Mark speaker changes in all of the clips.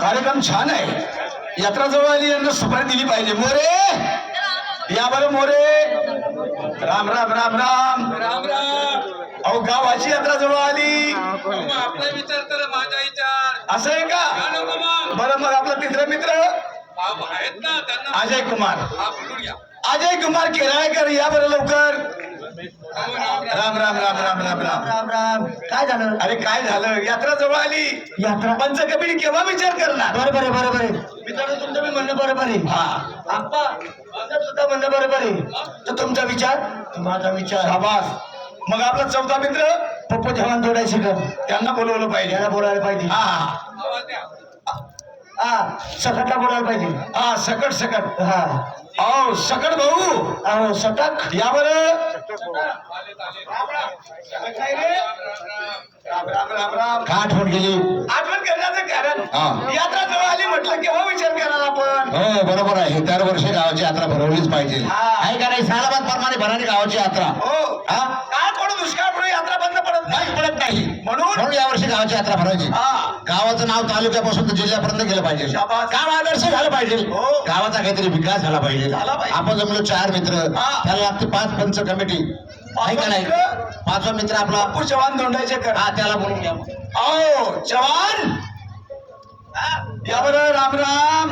Speaker 1: कार्यक्रम छान आहे. यात्रा जवळ आली, यांना सुपारी दिली पाहिजे. मोरे या बरं मोरे. राम राम राम राम
Speaker 2: राम राम.
Speaker 1: अहो गावाची यात्रा जवळ आली.
Speaker 2: आपला विचार तर माझा विचार
Speaker 1: असं आहे का? बरं मग आपला तिसरा मित्र
Speaker 2: आहेत ना त्यांना
Speaker 1: अजय कुमार.
Speaker 2: हा बोलून घ्या.
Speaker 1: अजय कुमार केराळकर या बरं लवकर. राम राम राम राम राम राम
Speaker 3: राम राम. काय झालं?
Speaker 1: अरे काय झालं? यात्रा जवळ आली.
Speaker 3: यात्रा
Speaker 1: पंचकबीर केव्हा विचार करणार?
Speaker 3: बरोबर आहे, बरोबर आहे. मित्रांनो तुमचं मी म्हणणं बरोबर आहे.
Speaker 1: हा
Speaker 3: आप्पा माझं सुद्धा म्हणणं बरोबर आहे. तर तुमचा विचार माझा विचार.
Speaker 1: शाबास. मग आपला चौथा मित्र
Speaker 3: पप्पू जवान जोडायचे का?
Speaker 1: त्यांना बोलवलं पाहिजे.
Speaker 3: याला बोलायला पाहिजे.
Speaker 1: हा
Speaker 2: आवाज द्या.
Speaker 3: हा सकटला बोलायला पाहिजे.
Speaker 1: हा सकट सकट.
Speaker 3: हा
Speaker 1: अहो सकट भाऊ
Speaker 3: अहो सटक.
Speaker 1: या बरं.
Speaker 2: राम
Speaker 1: राम राम राम राम.
Speaker 4: का आठवण केली?
Speaker 1: आठवण करण्याचं कारण
Speaker 4: हा.
Speaker 1: यात्रा जवळ आली म्हटलं केव्हा विचार करणार आपण?
Speaker 4: हो बरोबर आहे. दरवर्षी गावाची यात्रा भरवलीच पाहिजे.
Speaker 1: हा.
Speaker 4: आहे का नाही? सालाबाद प्रमाणे भरारी गावाची यात्रा.
Speaker 1: हो.
Speaker 4: हा?
Speaker 1: काय पडू दुष्काळ पडू यात्रा बंद पडत
Speaker 4: नाही
Speaker 1: नाही.
Speaker 4: पडत नाही.
Speaker 1: म्हणून
Speaker 4: म्हणून यावर्षी गावाची यात्रा भरायची.
Speaker 1: हा
Speaker 4: गावाचं नाव तालुक्यापासून तर जिल्ह्यापर्यंत गेलं पाहिजे.
Speaker 1: शाबास.
Speaker 4: गाव आदर्श झालं पाहिजे.
Speaker 1: हो.
Speaker 4: गावाचा काहीतरी विकास झाला पाहिजे.
Speaker 1: झाला पाहिजे.
Speaker 4: आपण जमलो 4 मित्र.
Speaker 1: हा.
Speaker 4: त्याला लागते 5 पंच कमिटी. आहे का नाही?
Speaker 1: मित्र?
Speaker 4: 5वा मित्र आपला
Speaker 1: पप्पू चव्हाण दोंडायचे कर.
Speaker 4: हा त्याला बोलून घ्या.
Speaker 1: आओ चव्हाण या बरं. राम राम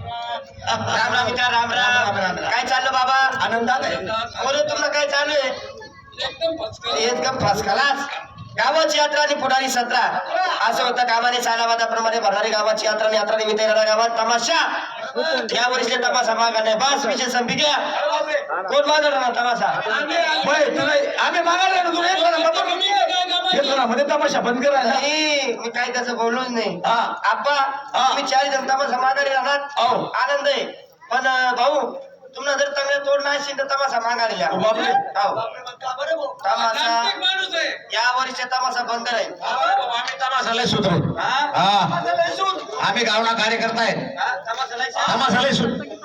Speaker 3: राम राम विचार. राम राम. काय चाललं बाबा?
Speaker 1: आनंदात आहे.
Speaker 3: बोलू तुला काय चालू आहे?
Speaker 2: एकदम फसकन.
Speaker 3: एकदम फर्स्ट क्लास. गावाची यात्रा आणि पुढारी सत्रा असं होतं. कामाने सालावादाप्रमाणे भरणारी गावाची यात्रा आणि यात्रा निमित्त येणारा गावात तमाशा. या वर्षी तमाशा मागा नाही. बस विषय संपी घ्या. कोण मागणार ना तमाशा?
Speaker 1: होय, तुला आम्ही मागायला ना तुला येतो ना मग येतो ना मध्ये तमाशा बंद करायला.
Speaker 3: नाही मी काही तसं बोललोच नाही.
Speaker 1: हा.
Speaker 3: आप्पा
Speaker 1: हा.
Speaker 3: तुम्ही 4 जण तमाशा मागायला राहणार.
Speaker 1: हो.
Speaker 3: आनंद आहे. पण भाऊ तुम्हाला जर चांगल्या तोड नाही असेल तर तमाशा मागायला
Speaker 1: ओ बापरे.
Speaker 3: तमाशा
Speaker 2: तांत्रिक माणूस आहे.
Speaker 3: या वर्षी तमाशा बंद राहील.
Speaker 4: आम्ही तमाशाला सूत्र.
Speaker 3: हा?
Speaker 4: हा.
Speaker 3: तमाशा लय सूट.
Speaker 4: आम्ही गावना कार्यकर्ता आहे.
Speaker 3: हा, तमाशा लय सूट.
Speaker 4: तमाशाला सूत्र.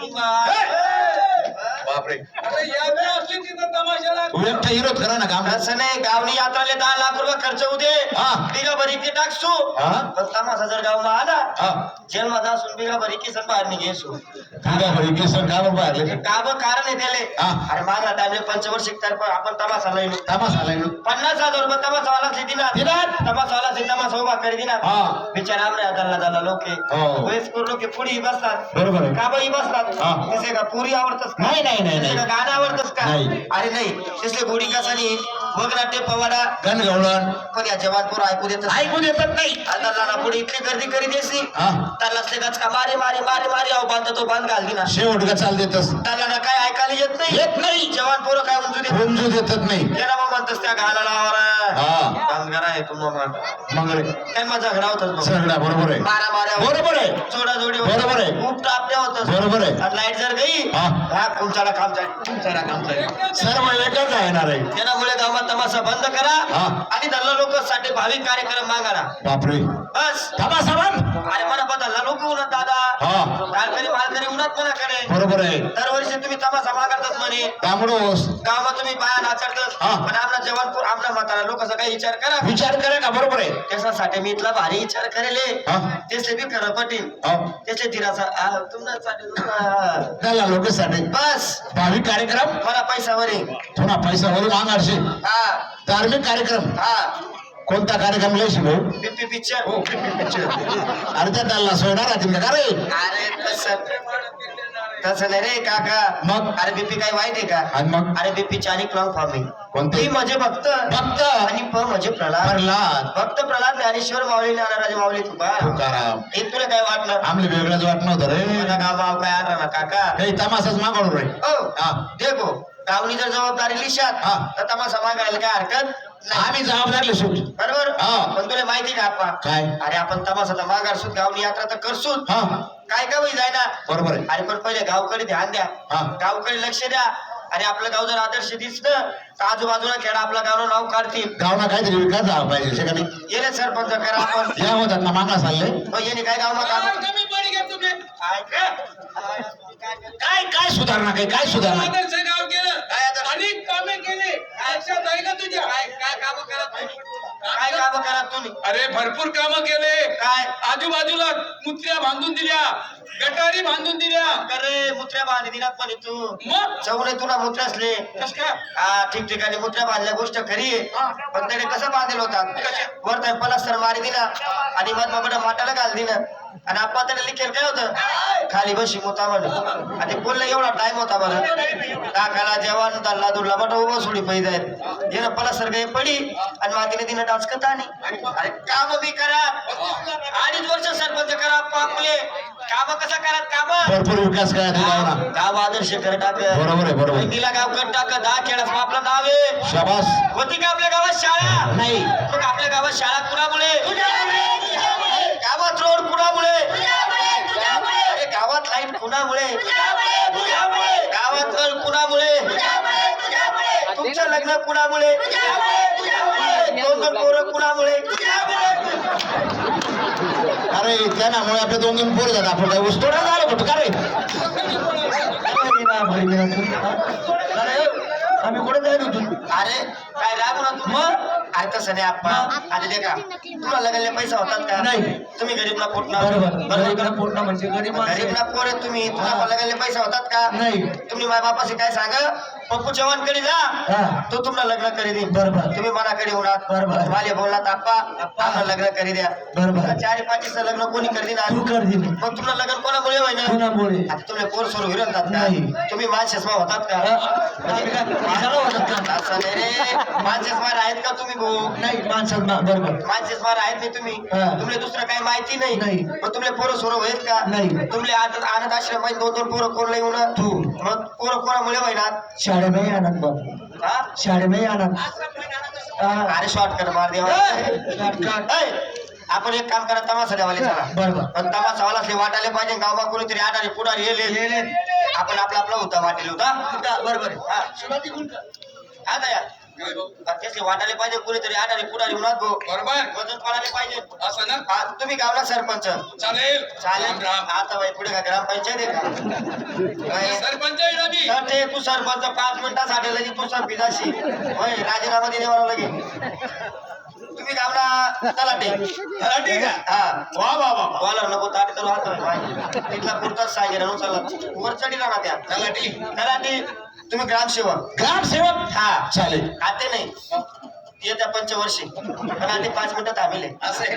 Speaker 4: बापरे.
Speaker 2: आता यात्रा असली तिथं तमाशाला
Speaker 4: तू एकटा विरोध करा ना काम.
Speaker 3: असं नाही. गावनी यात्राले 10 लाख रुपये खर्च होऊ दे.
Speaker 4: हा.
Speaker 3: बिगा भरी की टाकसू.
Speaker 4: हा?
Speaker 3: पण तमाशा जर गावला आला
Speaker 4: हा.
Speaker 3: जेलमध्ये असून बिगा भरी की सण बाहेर निघेसू.
Speaker 4: तुझ्या घरी केसन का बरं बाहेरले?
Speaker 3: गाव कारण आहे त्याले.
Speaker 4: हा.
Speaker 3: अरे मागला टाइमले पंचवर्षिक तर आपण तमाशा लई
Speaker 4: तमाशाला येऊ.
Speaker 3: 50,000 रुपये तमाशावाला दिनार.
Speaker 4: दिनार?
Speaker 3: तमाशावाला तमाशा उभा करी दिनार.
Speaker 4: हा.
Speaker 3: बिचारा आमरे झाला लोक
Speaker 4: हो.
Speaker 3: वयस्कर लोक पुढे बसतात.
Speaker 4: बरोबर आहे.
Speaker 3: का बाई बसतात?
Speaker 4: हा.
Speaker 3: तसे का पुरी आवडतस का?
Speaker 4: नाही, नाही, नाही,
Speaker 3: तसे का
Speaker 4: नाही.
Speaker 3: गाणं आवडतस का?
Speaker 4: नाही.
Speaker 3: अरे नाही. तसले गोडी कसानी वगनाट्य पवाडा
Speaker 4: गण गवळण
Speaker 3: पण या जवानपूर ऐकू देत
Speaker 4: ऐकून येतात नाही.
Speaker 3: आता लाना पुढे इतकी गर्दी करी देसी.
Speaker 4: हा.
Speaker 3: त्याला असले गचका मारे मारे मारे मारे अहो बांध तो बांध घाल दिना.
Speaker 4: शेवट का चाल देतस.
Speaker 3: त्याला ना काय ऐकायला येत नाही.
Speaker 4: येत नाही.
Speaker 3: जवान पोरं काय म्हणतो ते
Speaker 4: रुंजू देतात नाही.
Speaker 3: त्याला मग म्हणतस त्या घालाला
Speaker 4: हा.
Speaker 3: बांधगार आहे तुम्हाला
Speaker 4: मंगळे
Speaker 3: काय माझा झगडा होतच
Speaker 4: सगळा बरोबर आहे.
Speaker 3: मारा माऱ्या
Speaker 4: बरोबर आहे.
Speaker 3: जोडा जोडी
Speaker 4: बरोबर आहे.
Speaker 3: खूप टापल्या होत.
Speaker 4: बरोबर आहे.
Speaker 3: लाईट जर गई
Speaker 4: हा.
Speaker 3: हा तुमच्याला काम जाईल तुमच्याला काम जाईल.
Speaker 4: सर्व एकच येणार आहे.
Speaker 3: त्यामुळे गावात तमाशा बंद करा
Speaker 4: हा.
Speaker 3: आणि धरला लोक साठी भाविक कार्यक्रम मागारा.
Speaker 4: बापरे.
Speaker 3: बस
Speaker 4: तमाशा बंद.
Speaker 3: अरे मला बदलला लोक उन्हात दादा
Speaker 4: हा.
Speaker 3: मालकरी मालकरी उन्हात म्हणा कडे
Speaker 4: बरोबर आहे.
Speaker 3: दरवर्षी तुम्ही तमाशा मागतच म्हणे.
Speaker 4: तांबडोस
Speaker 3: गावात तुम्ही बाया नाचडतच.
Speaker 4: हा.
Speaker 3: पण आपला जवानपूर आपला म्हातारा लोकांचा काही विचार करा.
Speaker 4: विचार करा का? बरोबर आहे.
Speaker 3: त्याच्यासाठी मी इथला भारी विचार करेले.
Speaker 4: हा.
Speaker 3: त्याचे बी खरं पटील.
Speaker 4: हो.
Speaker 3: त्याचे दिराचा
Speaker 4: त्याला लोकांसाठी
Speaker 3: बस
Speaker 4: भाविक कार्यक्रम
Speaker 3: मला पैशावर आहे.
Speaker 4: थोडा पैसा वरून मागारशे.
Speaker 3: हा
Speaker 4: धार्मिक कार्यक्रम.
Speaker 3: हा
Speaker 4: कोणता कार्यक्रम लय शिकू?
Speaker 3: BP picture.
Speaker 4: अरे त्या त्याला सोडणार आहे का रे?
Speaker 3: अरे तसं नाही रे काका.
Speaker 4: मग?
Speaker 3: अरे बीपी काय वाईट आहे का?
Speaker 4: आणि मग
Speaker 3: अरे बीपीची आणि क्लॉंग फॉर्म आहे.
Speaker 4: कोणते?
Speaker 3: पी म्हणजे भक्त
Speaker 4: भक्त
Speaker 3: आणि प म्हणजे प्रल्हाद.
Speaker 4: प्रल्हाद
Speaker 3: भक्त प्रल्हाद ज्ञानेश्वर माऊली नारायण माऊली तुका
Speaker 4: तुकाराम.
Speaker 3: हे तुला काय वाटलं?
Speaker 4: आमले वेगळंच वाटत नव्हतं रे.
Speaker 3: मला गाव भाव काय आणला ना काका.
Speaker 4: काही तमाशाच मागवलो रे.
Speaker 3: हो
Speaker 4: हा.
Speaker 3: देखो गावनी जर जबाबदारी लिशात
Speaker 4: हा.
Speaker 3: तर तमाशा मागायला काय हरकत नाही.
Speaker 4: आम्ही जबाबदार सुट.
Speaker 3: बरोबर.
Speaker 4: हा.
Speaker 3: पण तुला माहिती का आपा
Speaker 4: काय?
Speaker 3: अरे आपण तमाशाचा मागार सुत गावनी यात्रा तर करसूत.
Speaker 4: हा.
Speaker 3: काय का होई जाय ना.
Speaker 4: बरोबर आहे.
Speaker 3: अरे पण पहिले गावकडे ध्यान द्या.
Speaker 4: हा.
Speaker 3: गावकडे लक्ष द्या. आणि आपलं गाव जर आदर्श दिसलं तर आजूबाजूला खेळा आपलं गावनं नाव काढतील.
Speaker 4: गावना काहीतरी विकास झाला पाहिजे. शे का नाही?
Speaker 3: येले सरपंच करा आपण.
Speaker 4: या होतात ना मागा चालले.
Speaker 3: मग येणे काय गाव मग
Speaker 2: कमी पडी घ्या तुम्ही
Speaker 4: काय काय सुधारणा काय सुधारणा
Speaker 2: आदर्श गाव केलं
Speaker 3: काय आदर्श?
Speaker 2: अनेक कामे केली लक्षात आहे का तुझ्या
Speaker 3: काय काम करत काय काम करत तुम्ही
Speaker 2: अरे भरपूर कामं केले
Speaker 3: काय
Speaker 2: आजूबाजूला मुत्र्या बांधून दिल्या गटारी बांधून दिल्या
Speaker 3: अरे मुत्र्या बांधली दिनात पण तू
Speaker 2: मग
Speaker 3: चौले तुला मुत्र्या असले
Speaker 2: कस काय
Speaker 3: हा ठिकठिकाणी मुत्र्या बांधल्या गोष्ट खरी आहे पण त्याने कसं बांधलेलं होतात वर तर पलास्तर मारी दिला आणि मग बाबा माटाला घाल दिलं आणि आपण त्याने लिखेल काय होतं खाली बशी मोता म्हणे आणि बोलला एवढा टाइम होता बरं टाकाला जेवण दल्ला दुडला बट उभं सोडी पैदा आहेत येणं पलास्तर काही पडी आणि मातीने तिनं डान्स करता आणि अरे काम बी करा 2.5 वर्ष सरपंच करा पापले काम कसं करा काम
Speaker 4: भरपूर विकास काय गावना
Speaker 3: गाव आदर्श कर टाक
Speaker 4: बरोबर आहे बरोबर आहे.
Speaker 3: तिला गाव कर टाक 10 खेळास आपलं नाव आहे
Speaker 4: शाबास
Speaker 3: होती का आपल्या गावात शाळा
Speaker 4: नाही
Speaker 3: मग आपल्या गावात शाळा कुणामुळे गावात रोड कुणामुळे अरे गावात लाईट कुणामुळे गावात नळ कुणामुळे तुमचं लग्न कुणामुळे 2 पोरं कुणामुळे
Speaker 4: अरे त्यामुळे आपल्या 2 पोरं जातात आपण काय ऊस तोडा झालं कुठं का रे
Speaker 3: आम्ही कुठे जायला होतो अरे काय रागू ना तू मग अरे तसं नाही आप्पा आधी दे का तुला लगायला पैसा होतात का
Speaker 1: नाही.
Speaker 3: तुम्ही गरीबना पोटना
Speaker 1: गरीबना पोटना म्हणजे गरीब माणसं.
Speaker 3: गरीबना पोर आहे तुम्ही तुम्हाला लगायला पैसा होतात का
Speaker 1: नाही.
Speaker 3: तुम्ही माझ्या बापाशी काय सांगा पप्पू चव्हाणकडे जा
Speaker 1: हा.
Speaker 3: तो तुम्हाला लग्न करी दे
Speaker 1: बरोबर.
Speaker 3: तुम्ही मनाकडे होणार
Speaker 1: बरोबर.
Speaker 3: मला बोललात आप्पा आम्हाला लग्न करी द्या
Speaker 1: बरोबर.
Speaker 3: 4-5 लग्न कोणी करी देणार
Speaker 1: तू कर दिली
Speaker 3: मग तुम्हाला लग्न कोणामुळे होईना
Speaker 1: कोणामुळे
Speaker 3: आता तुम्ही पोर सोर विरतात का
Speaker 1: नाही.
Speaker 3: तुम्ही मानशेसमा होतात का
Speaker 1: आम्ही काय पैशाला होतात का?
Speaker 3: असं नाही रे मानशेसमार आहेत का तुम्ही भाऊ
Speaker 1: नाही माणसात बरोबर
Speaker 3: मानशेसमार आहेत नाही तुम्ही
Speaker 1: हा.
Speaker 3: तुमले दुसरं काही माहिती नाही
Speaker 1: नाही.
Speaker 3: मग तुमले पोरं सोरं होईल का
Speaker 1: नाही.
Speaker 3: तुमले अनाथ आश्रम मध्ये 2 पोरं कोण येऊन
Speaker 1: तू.
Speaker 3: मग पोरं कोणामुळे होईनात
Speaker 1: शाळेमध्ये आणत बघ
Speaker 3: हा
Speaker 1: शाळेमध्ये आणत
Speaker 3: अरे शॉर्टकट मार देवा ऐ, आपण एक काम करा तमाशा द्यावाले चला
Speaker 1: बरोबर.
Speaker 3: पण तमाशावाला असले वाटायला पाहिजे गावबा कोणीतरी आडारी पुढारी येले आपण आपला होता वाटेल होता बरोबर हा आता या त्याचे वाटायला पाहिजे कोणीतरी आडारी पुढारी होणार गो
Speaker 2: बरोबर
Speaker 3: वजन पडायला पाहिजे
Speaker 2: असं ना
Speaker 3: हा, तुम्ही गावला सरपंच
Speaker 2: चालेल
Speaker 3: चालेल
Speaker 2: राम.
Speaker 3: आता बाई पुढे का ग्रामपंचायत आहे का
Speaker 2: सरपंच आहे ना मी.
Speaker 3: तर ते तू सरपंच 5 मिनिटासाठी लगे तू सरपिदाशी होय राजीनामा देण्यावर लगे तुम्ही गावला तलाटे
Speaker 2: तलाठी का?
Speaker 3: हा
Speaker 2: वा वा वा
Speaker 3: बॉलर नको ताट करू हात तिथला पुरताच सांगेल ना चला वर चढी राहणार त्या
Speaker 2: तलाठी
Speaker 3: तलाटे तुम्ही ग्रामसेवक
Speaker 4: ग्रामसेवक
Speaker 3: हा
Speaker 4: चालेल
Speaker 3: खाते नाही येत्या 5 वर्षी पण आधी 5 मिनिटं थांबले
Speaker 2: असे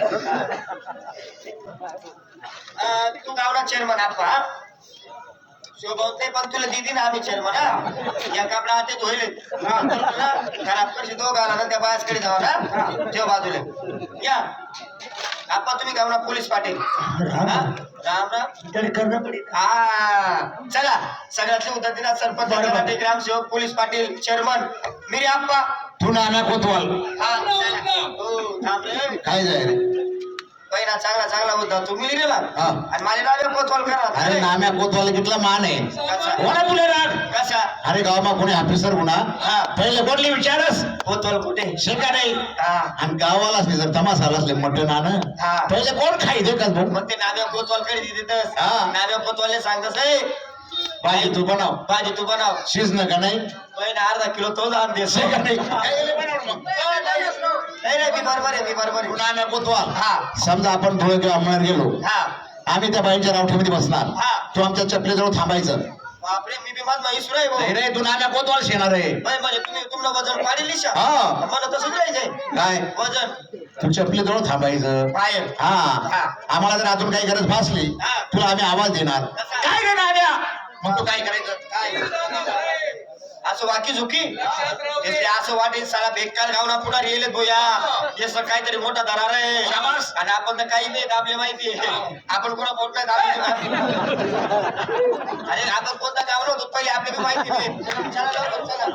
Speaker 3: तू गावला चेअरमन आप्पा शोभवते पण तुला दिदी ना आम्ही चेअरमन या कापडा हाते धुईल खराब करशी तो गाला ना त्या बायासकडे जावा ना ठेव बाजूला या आप्पा तुम्ही गावना पोलीस पाटील
Speaker 1: राम.
Speaker 3: हा? राम राम
Speaker 1: तरी करणं पडेल
Speaker 3: हा चला सगळ्यातले उद्या सरपंच
Speaker 1: बरोबर.
Speaker 3: तलाठी, ग्रामसेवक पोलीस पाटील चेअरमन मिरी आप्पा
Speaker 4: तू नाम्या कोतवाल
Speaker 3: हा चला. हो, थांब रे.
Speaker 4: काय जाय रे
Speaker 3: पहिला चांगला होता तुम्ही लिहिलेला
Speaker 4: हा.
Speaker 3: आणि माझे नाव कोतवाल करा
Speaker 4: अरे नाम्या कोतवाल कितला मान आहे
Speaker 3: कसा
Speaker 4: कोणा तुला राग
Speaker 3: कसा
Speaker 4: अरे गावामा कोणी ऑफिसर होणार
Speaker 3: हा.
Speaker 4: पहिले कोणली विचारस
Speaker 3: कोतवाल कुठे
Speaker 4: शिका नाही
Speaker 3: हा
Speaker 4: आणि गावाला असले जर तमासाला असले मटण आण
Speaker 3: हा.
Speaker 4: पहिले कोण खाई दे का भाऊ
Speaker 3: मग ते नाव्या कोतवाल कडे देतस
Speaker 4: हा.
Speaker 3: नाव्या कोतवालने सांगतस ए
Speaker 4: भाजी तू बनव
Speaker 3: भाजी तू बनव
Speaker 4: शिजन का नाही
Speaker 3: पहिला अर्धा किलो तो जाण देस
Speaker 4: शिका नाही काय बनवलं मग?
Speaker 3: नाही मी बरोबर आहे
Speaker 4: तू नाम्या कोतवाल
Speaker 3: हा
Speaker 4: समजा आपण धुळे किंवा अंमळनेर गेलो
Speaker 3: हा
Speaker 4: आम्ही त्या बाईंच्या रावठीमध्ये बसणार
Speaker 3: हा.
Speaker 4: तू आमच्या चपलेजवळ थांबायचं
Speaker 3: बापरे मी बी माझ इसूर आहे भाऊ
Speaker 4: नाही रे तू नाम्या कोतवाल शेणार आहे
Speaker 3: म्हणजे तुम्ही तुम्हाला वजन पाडेल लिशा
Speaker 4: हा.
Speaker 3: मला तसंच राहायचंय
Speaker 4: काय
Speaker 3: वजन
Speaker 4: तू चपलेजवळ थांबायचं
Speaker 3: बाहेर
Speaker 4: हा
Speaker 3: हा.
Speaker 4: आम्हाला जर अजून काही गरज भासली
Speaker 3: हा.
Speaker 4: तुला आम्ही आवाज देणार
Speaker 3: कसा?
Speaker 4: काय रे नाम्या मग तू काय करायचं
Speaker 3: काय असं वाकी झुकी ते असं वाटेल साला बेकार गावना पुढे येले भोया हे सर काहीतरी मोठा दरार आहे
Speaker 4: शाबास.
Speaker 3: आणि आपण तर काही नाही आपले माहिती आहे आपण कोणा बोट नाही दाबले. अरे आपण कोणता गाव नव्हतो पहिले आपली बी माहिती नाही चला लवकर चला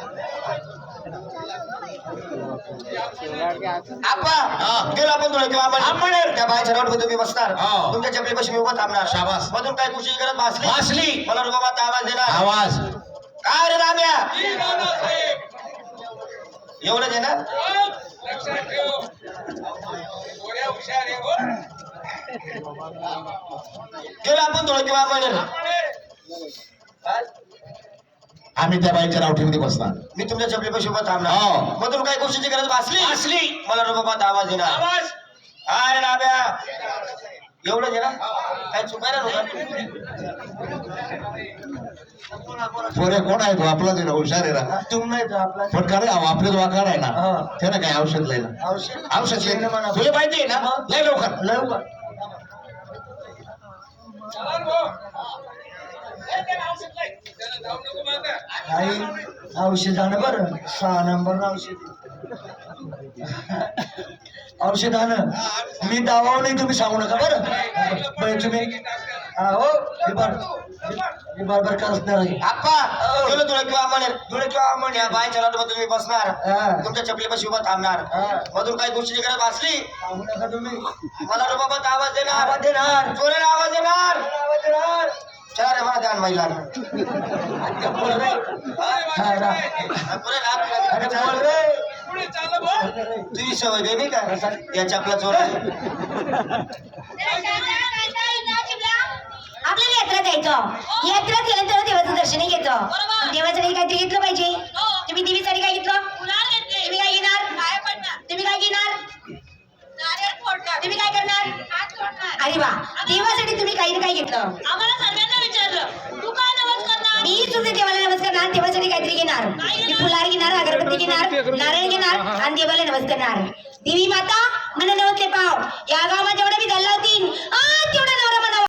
Speaker 3: आप्पा
Speaker 4: हा.
Speaker 3: गेलो आपण तुला किंवा
Speaker 4: अंमळनेर.
Speaker 3: त्या बायच्या रोड तुम्ही बसणार
Speaker 4: हा.
Speaker 3: तुमच्या चपली पाशी मी उभं थांबणार
Speaker 4: शाबास.
Speaker 3: मधून काय खुशी करत भासली
Speaker 4: भासली.
Speaker 3: मला रुबाबात आवाज देणार
Speaker 4: आवाज
Speaker 3: काय रे राम्या
Speaker 2: ही नानासाहेब.
Speaker 3: एवढंच आहे ना
Speaker 2: लक्षात ठेव. थोड्या हुशार आहे हो.
Speaker 3: गेलो आपण थोडं किंवा म्हणेल
Speaker 4: आम्ही त्या बाईच्या रावठीमध्ये बसणार.
Speaker 3: मी तुमच्या चपलीपाशी उभा थांबणार.
Speaker 4: हो.
Speaker 3: मधून काही गोष्टीची गरज भासली मला रुबाबात आवाज येणार.
Speaker 2: आवाज
Speaker 3: अरे नाब्या एवढं ना काय चुकायला नव्हतं.
Speaker 4: पोरे कोण आहे तो आपला ते हुशार आहे ना.
Speaker 3: तुम्ही नाही तर आपला
Speaker 4: पण का रे आपले वाकार आहे ना
Speaker 3: हा.
Speaker 4: ते ना काय औषध लय ना
Speaker 3: औषध
Speaker 4: औषध लय तुला माहिती आहे ना लय लवकर
Speaker 3: लवकर
Speaker 2: चला भाऊ त्याला औषध नाही त्याला जाऊ नको मागे
Speaker 3: आई औषधानं बरं 6 नंबर औषधानं मी दावा नाही तुम्ही सांगू नका बरं तुम्ही हो बरोबर करणार आप्पा तुला तुला किंवा म्हणेल तुला किंवा म्हण या बायच्या लाटमध्ये तुम्ही बसणार तुमच्या चपलीपाशी उभा थांबणार मधून काही गोष्टीची गरज भासली सांगू नका तुम्ही मला रुबाबात आवाज देणार जोराने आवाज देणार चला रे मला ध्यान महिला
Speaker 2: पुढे चाललं भाऊ
Speaker 3: तुझी सवय दे नाही का याच्या आपला चोर
Speaker 5: आपल्याला यात्रा जायचं. यात्रा केल्यानंतर देवाचं दर्शन घ्यायचं. देवासाठी काहीतरी घेतलं पाहिजे. तुम्ही देवीसाठी काय घेतलं? तुम्ही काय घेणार? तुम्ही काय घेणार? तुम्ही काय करणार? अरे वा, देवासाठी तुम्ही काही ना काही घेतलं.
Speaker 6: आम्हाला सर्वांना विचारलं तू काय नवस करणार?
Speaker 5: मी सुद्धा देवाला नमस्कार करणार. देवासाठी काहीतरी घेणार. मी फुलार घेणार, अगरबत्ती घेणार, नारळ घेणार आणि देवाला नमस्कार करणार. देवी माता मला नवसले पाव या गावात जेवढे मी धरला होती तेवढा